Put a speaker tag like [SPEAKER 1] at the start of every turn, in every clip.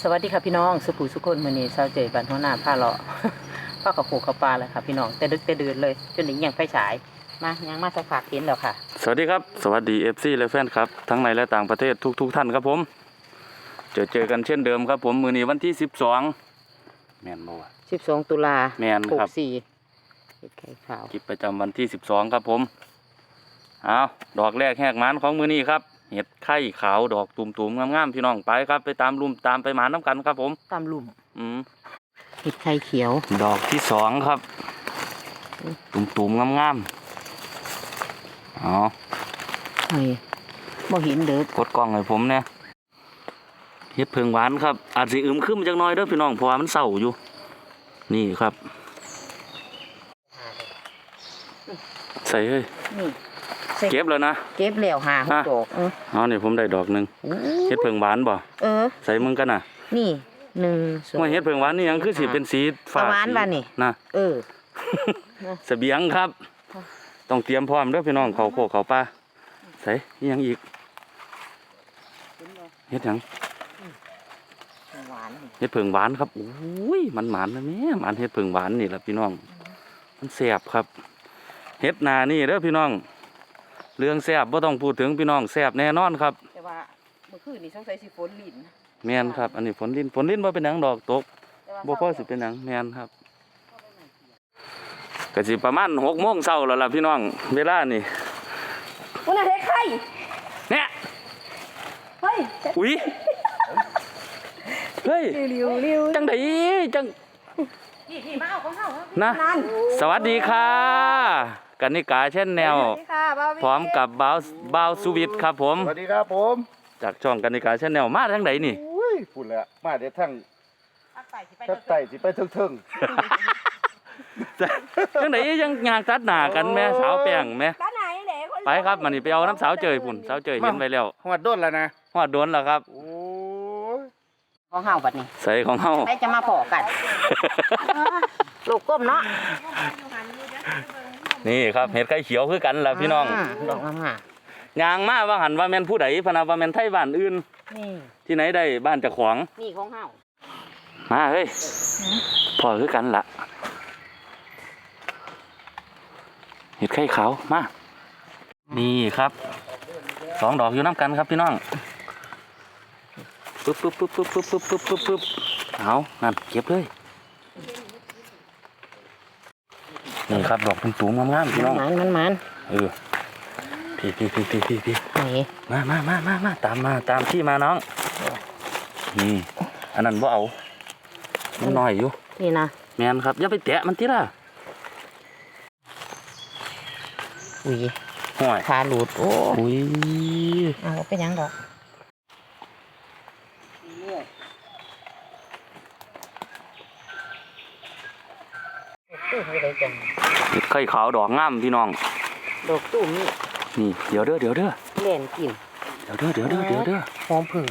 [SPEAKER 1] สวัสดีค่ะพี่น้องสุภูสุคนมื้อนี้เช้าเจอบ้านหัวหน้าผ้าเลาะ ผ้ากับผูกกับปลาเลยค่ะพี่น้องแต่ดึกแต่ดื่นเลยจนถึงยังไฟฉายมายังมาสักพักเห็นแล้วค่ะ
[SPEAKER 2] สวัสดีครับสวัสดี FC และแฟนครับทั้งในและต่างประเทศทุกท่านครับผมเจอกันเช่นเดิมครับผมมื้อนี้วันที่12แม่นบ่วะ
[SPEAKER 1] 12ตุลา
[SPEAKER 2] แม่นครับ
[SPEAKER 1] 64เฮ็ดไข่ขาว
[SPEAKER 2] คลิปประจำวันที่12ครับผมเอาดอกแรกแหกหมานของมื้อนี้ครับเห็ดไข่ขาวดอกตุ่มๆงามๆพี่น้องไปครับไปตามลุ่มตามไปหมานน้ำกันครับผม
[SPEAKER 1] ตามลุ่มเห็ดไข่เขียว
[SPEAKER 2] ดอกที่2ครับตุ่มๆงามๆเอา
[SPEAKER 1] เฮ้ยบ่เห็นเด้อก
[SPEAKER 2] ดกล้องให้ผมเนี่ยเห็ดเพิงหวานครับอาจสิอึมครึมจักหน่อยเด้อพี่น้องเพราะว่ามันเศร้าอยู่นี่ครับใส่เฮ้ย
[SPEAKER 1] นี่
[SPEAKER 2] เก็บแล้วนะ
[SPEAKER 1] เก็บแล้ว5 6ดอก
[SPEAKER 2] อ๋อนี่ผมได้ดอกนึงเห็ดเพิงหวานบ่ใส่มึงกันน่ะ
[SPEAKER 1] นี่1 2
[SPEAKER 2] ว่าเห็ดเพิงหวานนี่ยังคือสิเป็นสีฟ้า
[SPEAKER 1] หวานบ่นี่
[SPEAKER 2] นะเสบียงครับต้องเตรียมพร้อมเด้อพี่น้องเขาโคกเขาปลาใส่ยังอีกเห็ดหยังเห็ดเพิงหวานครับโอ้ยมันหวานนะแม่มันเห็ดเพิงหวานนี่แหละพี่น้องมันแซ่บครับเห็ดนานี่เด้อพี่น้องเรื่องแซ่บบ่ต้องพูดถึงพี่น้องแซ่บแน่นอนครับ
[SPEAKER 1] แต่ว่าเมื่อคืนนี้สงสัยสิฝนลิ้น
[SPEAKER 2] แม่นครับอันนี้ฝนลิ้นบ่เป็นหยังดอกตกบ่พอสิเป็นหยังแม่นครับก็สิประมาณ6 โมงเช้าแล้วล่ะพี่น้องเวลานี่
[SPEAKER 1] มันเฮ็ดไข่
[SPEAKER 2] เนี่ย
[SPEAKER 1] เฮ้ย
[SPEAKER 2] อุ๊ยเฮ้ยจังไดจัง
[SPEAKER 1] พี่มาเอาของเฮา
[SPEAKER 2] นะสวัสดีค่ะกนิกาแชนแนลพร้อมกับบ่าวสุวิทย์ครับผม
[SPEAKER 3] สวัสดีครับผม
[SPEAKER 2] จากช่องกนิกาแชนแนลมาทางไหนนี่
[SPEAKER 3] พูดแล้วมาเดี๋ยวทั้งทัดไต่สิไปทึ่ง
[SPEAKER 2] จังไหนยังงานตัดหน้ากันแม่สาวแป้งแม่ไปครับมันนี่ไปเอาน้ำสาวเจยพุ่นสาวเจยเห็นไว้แล้ว
[SPEAKER 3] หอดโดนแล้วนะ
[SPEAKER 2] หอดโดนแล้วครับ
[SPEAKER 3] โอ้
[SPEAKER 1] ยของเฮาบัดนี้
[SPEAKER 2] ใส่ของเฮา
[SPEAKER 1] ไปจะมาพอกันลูกก้มเนาะ
[SPEAKER 2] นี่ครับเห็ดไข่เขียวคือกันล่ะพี่น้อง
[SPEAKER 1] ดอกงาม
[SPEAKER 2] ยางมาว่าหันว่าแม่นผู้ใดพะนะว่าแม่นไทบ้านอื่นที่ไหนได้บ้านเจ้าของ
[SPEAKER 1] นี่ของเฮา
[SPEAKER 2] มาเฮ้ยพอคือกันล่ะเห็ดไข่ขาวมานี่ครับ2 ดอกอยู่น้ำกันครับพี่น้องปึ๊บเอานั่นเก็บเลยนี่ครับดอกตุ่มๆงามๆพี่น้อง
[SPEAKER 1] มัน
[SPEAKER 2] พี่มาตามที่มาน้องนี่อันนั้นบ่เอามันน้อยอยู่
[SPEAKER 1] นี่นะ
[SPEAKER 2] แม่นครับอย่าไปแตะมันติล่ะ
[SPEAKER 1] อุ้ย
[SPEAKER 2] ห่วย
[SPEAKER 1] ขาหลุดโอ้
[SPEAKER 2] ย
[SPEAKER 1] เอาเป็นยังดอก
[SPEAKER 2] ไข่ขาวดอกงามพี่น้อง
[SPEAKER 1] ดอกตุ่ม
[SPEAKER 2] นี่เดี๋ยวเด้อ
[SPEAKER 1] เล่นกิน
[SPEAKER 2] เดี๋ยวเด้อ
[SPEAKER 1] หอมผึ่ง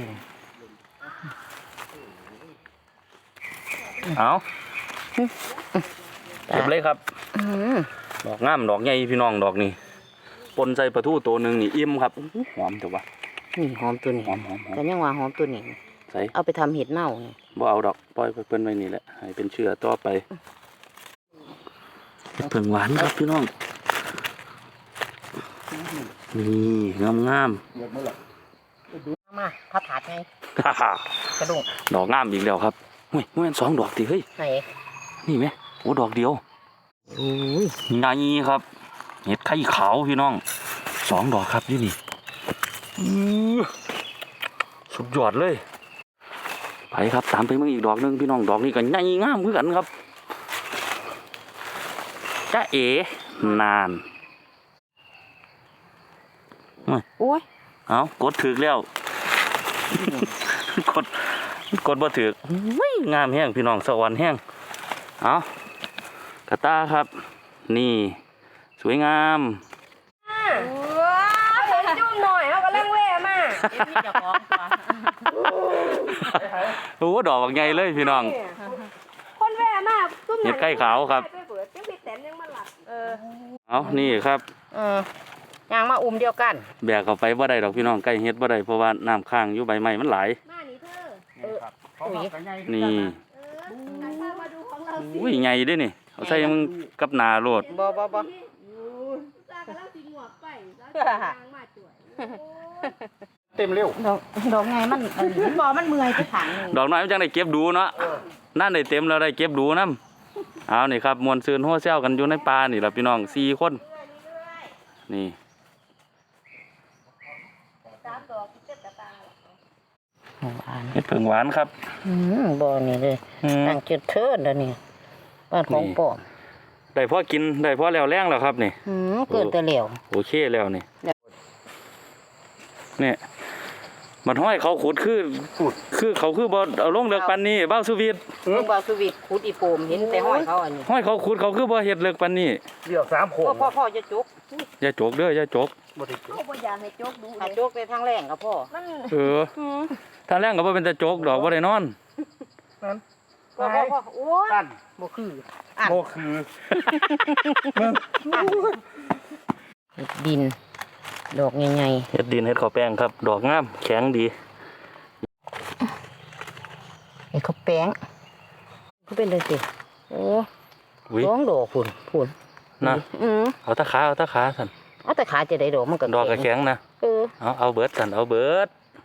[SPEAKER 2] เอาเก็บเลยครับดอกงามดอกใหญ่พี่น้องดอกนี่ปนใส่ปลาทูตัวหนึ่งนี่อิ่มครับหอมเถอะวะ
[SPEAKER 1] นี่หอมตัวนี้
[SPEAKER 2] หอม
[SPEAKER 1] แต่ยังว่าหอมตัวนี้
[SPEAKER 2] ใส่
[SPEAKER 1] เอาไปทำเห็ดเน่านี่
[SPEAKER 2] บ่เอาดอกปล่อยไปเพิ่นไว้นี่แหละให้เป็นเชื้อต่อไปเพิ่งหวานครับพี่น้องนี่งาม
[SPEAKER 1] มาพับถาดไงกระดูก
[SPEAKER 2] ดอกงามอีกแล้วครับเฮ้ยมัน2 ดอกติเฮ้ย
[SPEAKER 1] ไหน
[SPEAKER 2] นี่ไหมโอ้ดอกเดียวนี่ครับเห็ดไข่ขาวพี่น้อง2 ดอกครับนี่สุดยอดเลยไปครับตามไปมึงอีกดอกนึงพี่น้องดอกนี้ก็ใหญ่งามเหมือนกันครับจ้าเอ๋นาน
[SPEAKER 1] โอ้ย
[SPEAKER 2] เอากดถึกแล้วกดบ่ถึกงามแห้งพี่น้องสวรรค์แห้งเอากระตาครับนี่สวยงาม
[SPEAKER 1] ว้าวผมจุ่มหน่อยเขากำลังแว่มา
[SPEAKER 2] โอ้ดอกใหญ่เลยพี่น้อง
[SPEAKER 1] คนแว่มาก
[SPEAKER 2] เห็ดไข่ขาวครับเอานี่ครับ
[SPEAKER 1] ยางมาเดียวกัน
[SPEAKER 2] แบกเข้าไปบ่ได้ดอกพี่น้องใกล้เฮ็ดบ่ได้เพราะว่าน้ำค้างอยู่ใบไม้มันหลาย
[SPEAKER 1] มานี่เธอ
[SPEAKER 2] นี่อุ้ยใหญ่เด้นี่เอาใส่มึงกับหนาโลด
[SPEAKER 1] บ่
[SPEAKER 4] ตากำลังสิงวกไปแล้วทางมาจ่วย
[SPEAKER 3] เต็มเร็ว
[SPEAKER 1] ดอกไงมันบ่มันเมื่อยไปขังนึง
[SPEAKER 2] ดอกน้อยมันจังได้เก็บดูเนาะนั่นได้เต็มแล้วได้เก็บดูนํเอานี่ครับมวนซืนหัวเซลกันอยู่ในป่านี่ล่ะพี่น้อง4คนนี่ เห็ดเผิงหวานครับ
[SPEAKER 1] บ่นี่เลยตั้งจุดเทิดแล้วนี่บ้านของปอม
[SPEAKER 2] ได้พอกินได้พอแล้วแรงแล้วครับนี่
[SPEAKER 1] เกิดแต่เหลว
[SPEAKER 2] โอเคแล้วนี่เนี่ยมันห้อยเขาขุดคือเขาคือบ่เอาลงเลือกปันนี้บ้าวสุวิทย์
[SPEAKER 1] ลูกบาสวิตขุดอีโปมเห็นแต่ห้อยเขาอันนี้
[SPEAKER 2] ห้อยเขาขุดเขาคือบ่เฮ็ดเลือกปันนี้
[SPEAKER 3] เรียก3โขง
[SPEAKER 1] พ่อจะจุก
[SPEAKER 2] อย่าโจกเด้ออย่าโจก
[SPEAKER 3] บ่ได้จุก
[SPEAKER 4] เขาบ่อยากให้โจกดู
[SPEAKER 1] ถ้าจุกในทางแรงก็พ่อ
[SPEAKER 2] เออถ้าแรงก็บ่เป็นตะโจกดอกบ่ได้นอน
[SPEAKER 3] นั่น
[SPEAKER 1] พ่อโอ้ย
[SPEAKER 3] ตั้น
[SPEAKER 1] บ่คือ
[SPEAKER 3] โบคือ
[SPEAKER 1] ดิน ดอกใหญ่
[SPEAKER 2] เฮ็ดดินเฮ็ดข้าวแป้งครับ ดอกงามแข็งดี
[SPEAKER 1] ๆไอ้เขาแป้งก็เป็นเลยสิโอ้
[SPEAKER 2] อุ้ย
[SPEAKER 1] ร้องดอกพุ่น
[SPEAKER 2] นะ
[SPEAKER 1] เอาแต่ขา
[SPEAKER 2] สั่น
[SPEAKER 1] เอาแต่ขาจะได้ดอกมันก็
[SPEAKER 2] ดอกก็แข็งนะ เอาเบิดสั่นเอาเบิด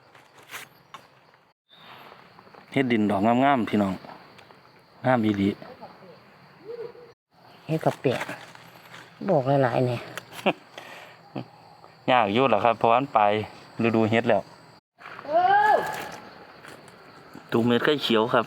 [SPEAKER 2] เฮ็ดดินดอกงามๆพี่น้องงามอีหลี
[SPEAKER 1] เฮ็ดกับแป้งบอกหลายๆเนี่ย
[SPEAKER 2] ยากอยู่ล่ะครับเพราะว่ามันไปฤดูเฮ็ดแล้วตูเม็ดไข่เขียวครับ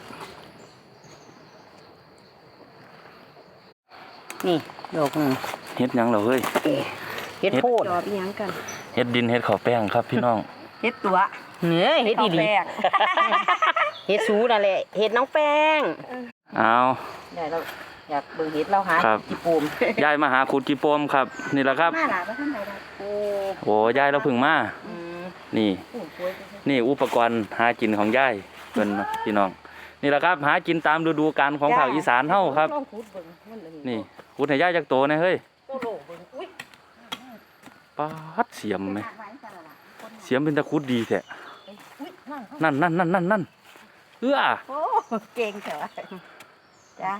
[SPEAKER 1] นี่ดอกนึง
[SPEAKER 2] เฮ็ดหยังเหรอเฮ้ย
[SPEAKER 1] เฮ็ดโพด
[SPEAKER 4] จอบอีหยังกัน
[SPEAKER 2] เฮ็ดดินเฮ็ดข้าวแป้งครับพี่น้อง
[SPEAKER 4] เฮ็ดตัว
[SPEAKER 1] เนื้อเฮ็ดอีหลีเฮ็ดสูนั่นแหละเฮ็ดน้องแป้ง
[SPEAKER 2] เอา
[SPEAKER 1] ได้เราอยากเบิ่งเฮ็ดเราหา
[SPEAKER 2] ครับ
[SPEAKER 1] จิปูม
[SPEAKER 2] ยายมาหาขุดกีโปมครับ นี่แหละครับ
[SPEAKER 4] มาหลาบ่ทันใดดอก
[SPEAKER 1] โอ้
[SPEAKER 2] โอ้ยายเราเพึ่งมานี่ นี่อุปกรณ์หากินของยายเพิ่นเนาะพี่น้องนี่แหละครับหากินตามฤดูกาลของภาคอีสานเฮาครับ
[SPEAKER 1] ลองขุดเบิ่งมันเลย
[SPEAKER 2] นี่ขุดให้ยายจักโตนะเฮ้ย
[SPEAKER 1] โตโลเบิ่งอุ้ย
[SPEAKER 2] ปาดเสียมไหม
[SPEAKER 4] หาไว้กันล่ะ
[SPEAKER 2] เสียมเป็นตะขุดดีแท้
[SPEAKER 1] อุ้ยนั่ง
[SPEAKER 2] นั่นเอื้อ
[SPEAKER 4] โอ้เก่งเถอะจ้า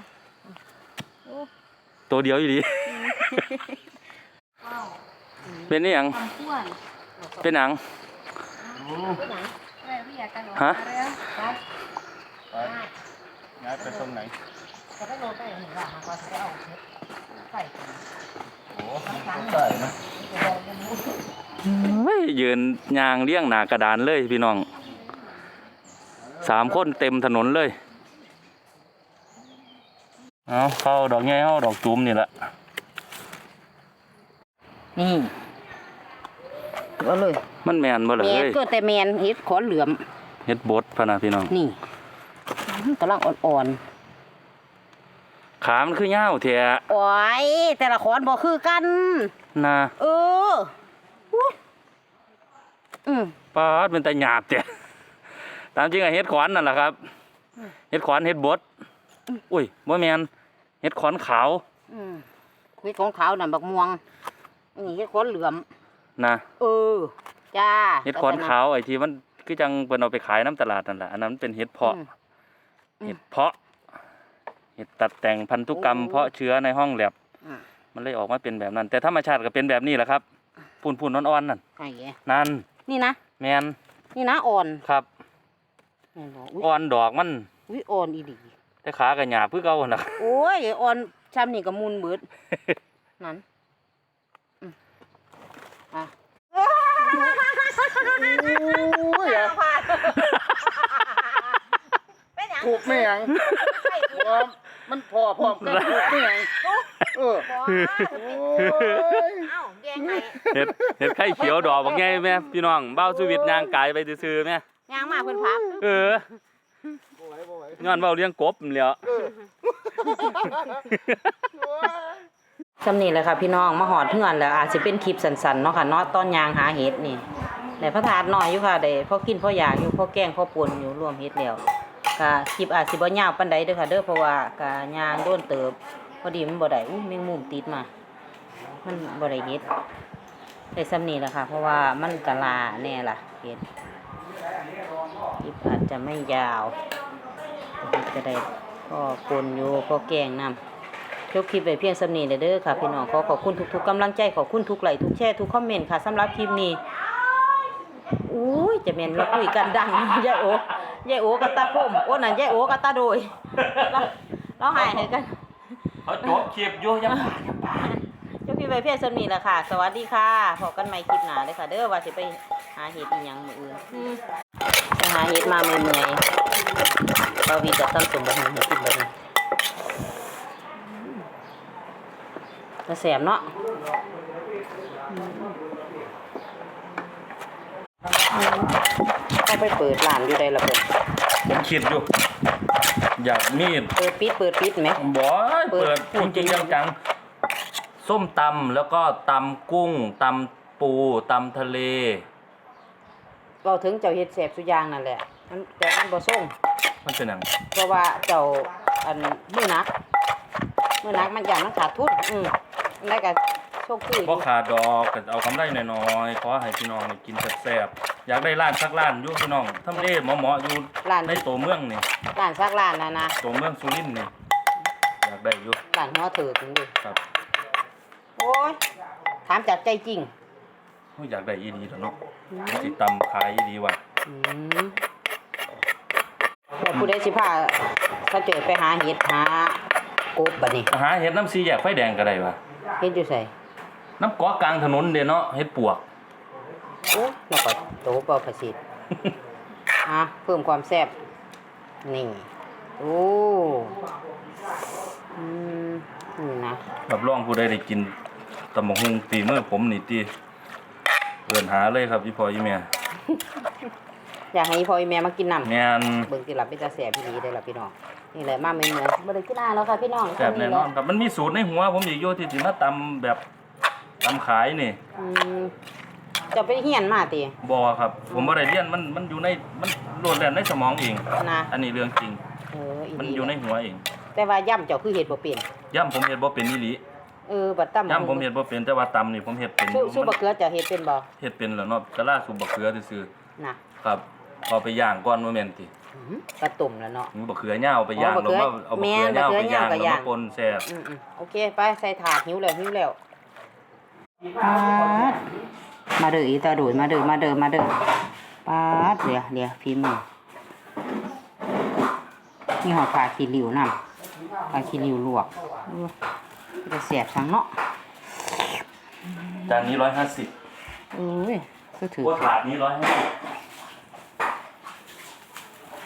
[SPEAKER 2] ตัวเดียวอยู่ดี เป็นนี่หยัง
[SPEAKER 4] ความควร
[SPEAKER 2] เป็นหยัง
[SPEAKER 4] เป็นหยังอะไรพี่อยากกัน
[SPEAKER 2] ฮะ
[SPEAKER 3] ย้ายไปตรงไหน
[SPEAKER 1] ก็ได้โลไปเห็นว่าหาว่าสิเอาเฮ็ดใส่
[SPEAKER 3] โอ้ใส่นะ
[SPEAKER 2] เฮ้ยยืนยางเลี้ยงหน้ากระดานเลยพี่น้อง3 คนเต็มถนนเลยเอาเข้าดอกใหญ่เข้าดอกจุ่มนี่แหละ
[SPEAKER 1] นี่เอาเลย
[SPEAKER 2] มันแมนบ่เหรอ
[SPEAKER 1] แมน
[SPEAKER 2] เฮ้ย
[SPEAKER 1] ก็แต่แมนเฮ็ดขอนเหลือม
[SPEAKER 2] เฮ็ดบดพะนะพี่น้อง
[SPEAKER 1] นี่กำลังอ่อน
[SPEAKER 2] ขามันคือยาวแท้
[SPEAKER 1] ๆโอ้ยแต่ละขอนบ่คือกัน
[SPEAKER 2] นะ
[SPEAKER 1] เอออุ๊ย
[SPEAKER 2] ปาดเป็นตาหยาบแท้ตามจริงอะเฮ็ดขวานนั่นแหละครับเฮ็ดขวานเฮ็ดบดอุ้ยบ่แม่นเฮ็ดขวานขาว
[SPEAKER 1] เฮ็ดของขาวน่ะบักม่วงนี่เฮ็ดขอนเหลือม
[SPEAKER 2] นะ
[SPEAKER 1] เออจ้า
[SPEAKER 2] เฮ็ดขวานขาวไอ้ที่มันคือจังเพิ่นเอาไปขายน้ำตลาดนั่นแหละอันนั้นมันเป็นเฮ็ดเพาะเฮ็ดเพาะเฮ็ดตัดแต่งพันธุกรรมเพาะเชื้อในห้องแลบมันเลยออกมาเป็นแบบนั้น แต่ธรรมชาติก็เป็นแบบนี้แหละครับพุ่นๆอ่อนๆนั่น
[SPEAKER 1] ไอ้แก
[SPEAKER 2] นั่น
[SPEAKER 1] นี่นะ
[SPEAKER 2] แม่น
[SPEAKER 1] นี่นะอ่อน
[SPEAKER 2] ครับ
[SPEAKER 1] นี่บ่อุ๊ย
[SPEAKER 2] อ่อนดอกมัน
[SPEAKER 1] อุ๊ยอ่อนอีหลี
[SPEAKER 2] แต่ขาก็หยาบคือเก่าหั่นน่ะ
[SPEAKER 1] โอ้ยอ่อนช้ำนี่ก็มุนเบิดนั่นอ่ะ
[SPEAKER 3] ถูกไหมยังมันพอพร้อมกันถูกไหมยังเออโอ้ย
[SPEAKER 4] เอ้าแกงให้
[SPEAKER 2] เฮ็ดไข่เขียวดอกบักใหญ่แม่พี่น้องเบ้าชีวิตย่างกายไปซื่อๆแม่
[SPEAKER 1] ย่างมาเพิ่นพับ
[SPEAKER 2] เออ
[SPEAKER 3] บ่ไหว
[SPEAKER 2] ย้อนเว้าเลี้ยงกบนั่นแหล้ว
[SPEAKER 1] ซำนี้แหละค่ะพี่น้องมาหอดเฮือนแล้วอาจสิเป็นคลิปสั้นๆเนาะค่ะเนาะตอนย่างหาเห็ดนี่ได้พระธาตุน้อยอยู่ค่ะได้พอกินพออยากอยู่พอแกงพอป่นอยู่รวมเฮ็ดแล้วก็คลิปอาจสิบ่ยาวปานใดเด้อค่ะเด้อเพราะว่าก็ย่างโดนเติบพอดีมันบ่ได้แมงมุมติดมามันบ่ได้เฮ็ดได้ซำนี้แหละค่ะเพราะว่ามันกะลาแน่ล่ะเฮ็ดคลิปอาจจะไม่ยาวเฮ็ดก็ได้พ่อปนอยู่พ่อแกงนำจบคลิปไว้เพียงส่ำนี้เด้อค่ะพี่น้องขอบคุณทุกๆกำลังใจขอบคุณทุกไลค์ทุกแชร์ทุกคอมเมนต์ค่ะสำหรับคลิปนี้อุ้ยจะแม่นเราคุยกันดังยายโอยายโอกับตาพุ่มโอ้นั่นยายโอกับตาโดยเราหายให้กัน
[SPEAKER 2] เขาจบคลิปอยู่ยัง
[SPEAKER 1] เจ้าพี่ใบเพียรสำนีแหละค่ะ สวัสดีค่ะพบกันใหม่คลิปหน้าเลยค่ะ เด้อว่าสิไปหาเห็ดอีหยังมื้ออื่นไปหาเห็ดมาเมื่อยๆเราวีจะตั้งสมบัติให้กินบัดนี้จะแสบเนาะเอาไปเปิดร้านอยู่ได้ละเพิ่น
[SPEAKER 2] ผมคิดอยู่ อยากมีด
[SPEAKER 1] เปิดปิดไหม
[SPEAKER 2] บ่เปิดจริงๆจังๆส้มตำแล้วก็ตำกุ้งตำปูตำทะเล
[SPEAKER 1] เราถึงเจ้าเฮ็ดแสบสุอย่างนั่นแหละมันแต่มันบ่ส่ง
[SPEAKER 2] มันเป็นหยัง
[SPEAKER 1] เพราะว่าเจ้าอันมือนักมันอย่างมันขาดทุนแล้วก็โชคคือ
[SPEAKER 2] บ่ขาดดอกก็เอากำไรน้อยๆขอให้พี่น้องได้กินแซ่บๆอยากได้ร้านสักร้านอยู่พี่น้องทำเลเหมาะๆอยู่
[SPEAKER 1] ร้าน
[SPEAKER 2] ในตัวเมืองนี่
[SPEAKER 1] ร้านซักร้านนะ
[SPEAKER 2] ตัวเมืองสุรินทร์นี่อยากได้อยู่
[SPEAKER 1] ร้านหัวเถิกนี่ดิ
[SPEAKER 2] ครับ
[SPEAKER 1] โอ้ยถามจากใจจริง
[SPEAKER 2] อยากได้อีดีแล้วเนาะสิตำขายอีดีว่ะ
[SPEAKER 1] แต่ผู้ใดสิพาเขาเจอไปหาเห็ดหากบบัดนี้
[SPEAKER 2] หาเห็ดน้ำซีแยกไฟแดงก็ได้ว่ะ
[SPEAKER 1] เฮ็ดอยู่ไส
[SPEAKER 2] น้ำเกาะกลางถนนเด้เนาะเห็ดปวก
[SPEAKER 1] โอ้แล้วก็โตบ่ประสิทธิ์เพิ่มความแซ่บนี่โอ้นี่นะ
[SPEAKER 2] รับรองผู้ใดได้กินตำบักหุ่งฝีมือผมนี่ติเอิ้นหาเลยครับพี่พ่อพี่แม่
[SPEAKER 1] อยากให้พ่อแม่มากินน้ำ
[SPEAKER 2] แม่น
[SPEAKER 1] เบิ่งสิหลับเป็นตาแสบพี่ดีได้อล่ะพี่น้องนี่แหละมาเมืองบ่ได้กินนานแล้วค่ะพี่น้อง
[SPEAKER 2] แซ่บแน่นอนครับมันมีสูตรในหัวผมอีกอยู่ที่สิมาตำแบบตำขายนี่
[SPEAKER 1] จะไปเฮียนมาติ
[SPEAKER 2] บ่ครับผมบ่ได้เรียนมันอยู่ในมันโหลดแล่นในสมองเอง
[SPEAKER 1] นะ
[SPEAKER 2] อันนี้เรื่องจริง มันอยู่ในหัวเอง
[SPEAKER 1] แต่ว่าย่ำเจ้าคือเฮ็ดบ่เป็น
[SPEAKER 2] ย่ำผมเฮ็ดบ่เป็นอีหลี
[SPEAKER 1] บัดตํ
[SPEAKER 2] ย่ำผมเฮ็ดบ่เป็นแต่ว่าตำนี่ผมเฮ็ดเป็นอยู่
[SPEAKER 1] สู้บักเกลือเจะเฮ็ดเป็นบ่
[SPEAKER 2] เฮ็ดเป็นแล้วเนาะกะลาสุบบักเขือซื่อ
[SPEAKER 1] น่ะ
[SPEAKER 2] ๆครับเอาไปย่างก่อนบ่แม่นติ
[SPEAKER 1] กระตุ่มแล้วเนาะ
[SPEAKER 2] มีบักเขือย่าวไปย่าง
[SPEAKER 1] บัก
[SPEAKER 2] แล้ว
[SPEAKER 1] เขือ
[SPEAKER 2] มาเอาบักเขือย่าวไปย่าง
[SPEAKER 1] แม่นบักเขือย่าวก็
[SPEAKER 2] แล้ว
[SPEAKER 1] ย่าง
[SPEAKER 2] มาปนแซ่บ
[SPEAKER 1] โอเคไปใส่ถาดหิวแล้วมาเด้ออีตาโดยมาเด้อปาดเดี๋ยวฝีมือนี่หอดปลาขี้ริ้วนำปลาขี้ริ้วลวกจะแสบสังเนาะ
[SPEAKER 2] จานนี้150
[SPEAKER 1] ก็ถือ
[SPEAKER 2] โคตรถาดนี้150